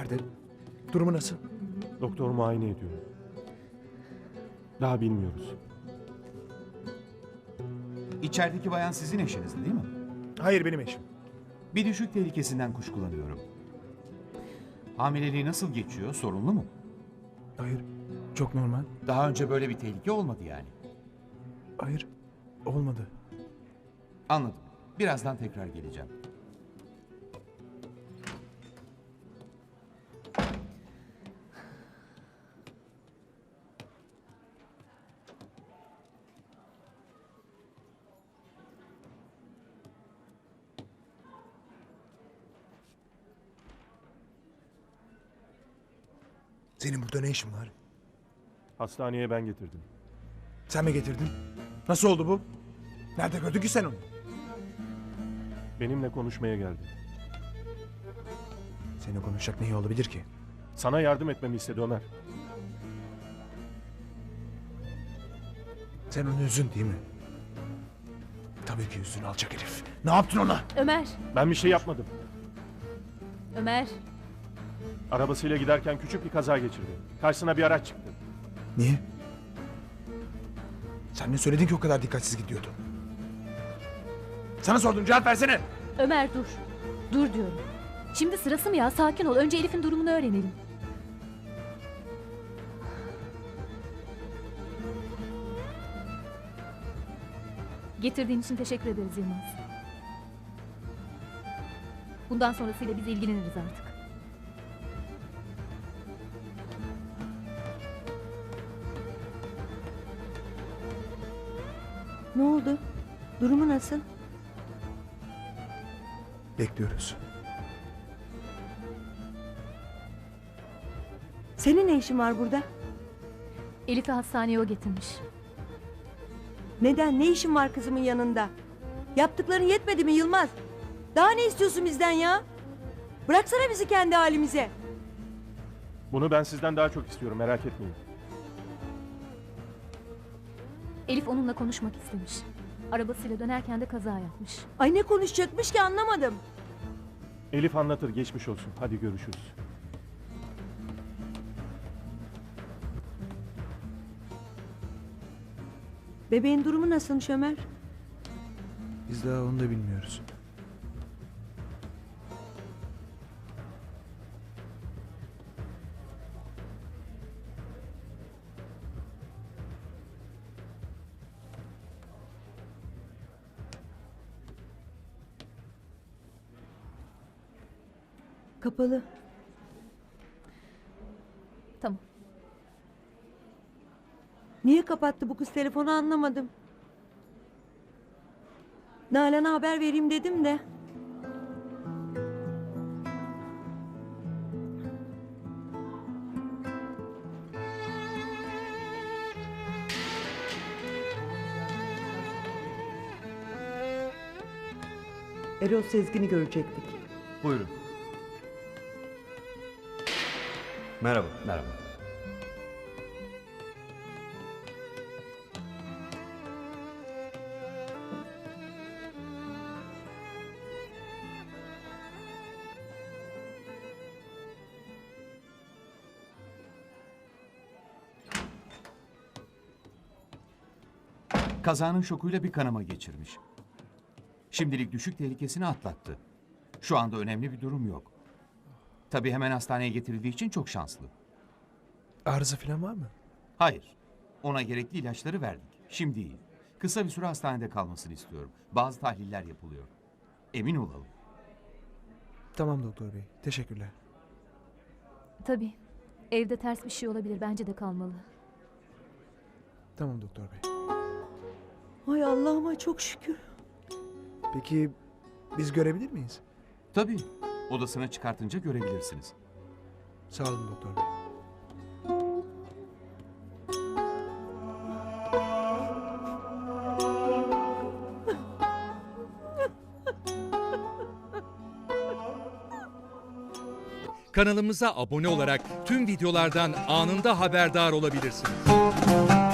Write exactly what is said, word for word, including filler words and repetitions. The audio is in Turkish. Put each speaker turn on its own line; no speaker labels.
nerede? Durumu nasıl?
Doktor muayene ediyor. Daha bilmiyoruz.
İçerideki bayan sizin eşiniz değil mi?
Hayır, benim eşim.
Bir düşük tehlikesinden kuşkulanıyorum. Hamileliği nasıl geçiyor? Sorunlu mu?
Hayır, çok normal.
Daha önce böyle bir tehlike olmadı yani.
Hayır, olmadı.
Anladım. Birazdan tekrar geleceğim.
Senin burada ne işin var?
Hastaneye ben getirdim.
Sen mi getirdin? Nasıl oldu bu? Nerede gördün ki sen onu?
Benimle konuşmaya geldi.
Seninle konuşacak ne iyi olabilir ki?
Sana yardım etmemi istedi Ömer.
Sen onu üzdün değil mi? Tabii ki üzdün alçak herif. Ne yaptın ona?
Ömer,
Ben bir şey yapmadım.
Ömer.
Arabasıyla giderken küçük bir kaza geçirdi. Karşısına bir araç çıktı.
Niye? Sen ne söyledin ki o kadar dikkatsiz gidiyordu? Sana sordum, cevap versene.
Ömer dur. Dur diyorum. Şimdi sırası mı ya? Sakin ol. Önce Elif'in durumunu öğrenelim. Getirdiğin için teşekkür ederiz Yılmaz. Bundan sonrasıyla biz ilgileniriz artık.
Ne oldu? Durumu nasıl?
Bekliyoruz.
Senin ne işin var burada?
Elif'i hastaneye o getirmiş.
Neden? Ne işin var kızımın yanında? Yaptıkların yetmedi mi Yılmaz? Daha ne istiyorsun bizden ya? Bıraksana bizi kendi halimize.
Bunu ben sizden daha çok istiyorum, merak etmeyin.
Elif onunla konuşmak istemiş. Arabasıyla dönerken de kaza yapmış.
Ay ne konuşacakmış ki anlamadım.
Elif anlatır, geçmiş olsun. Hadi görüşürüz.
Bebeğin durumu nasılmış Ömer?
Biz daha onu da bilmiyoruz.
Kapalı.
Tamam.
Niye kapattı bu kız telefonu anlamadım. Nalan'a haber vereyim dedim de. Erol Sezgin'i görecektik.
Buyurun.
Merhaba.
Merhaba. Kazanın şokuyla bir kanama geçirmiş. Şimdilik düşük tehlikesini atlattı. Şu anda önemli bir durum yok. Tabii hemen hastaneye getirildiği için çok şanslı.
Arıza falan var mı?
Hayır. Ona gerekli ilaçları verdik. Şimdi iyi. Kısa bir süre hastanede kalmasını istiyorum. Bazı tahliller yapılıyor. Emin olalım.
Tamam doktor bey, teşekkürler.
Tabii. Evde ters bir şey olabilir. Bence de kalmalı.
Tamam doktor bey.
Ay Allah'ıma çok şükür.
Peki biz görebilir miyiz?
Tabii. Odasına çıkartınca görebilirsiniz.
Sağ olun doktor bey.
Kanalımıza abone olarak tüm videolardan anında haberdar olabilirsiniz.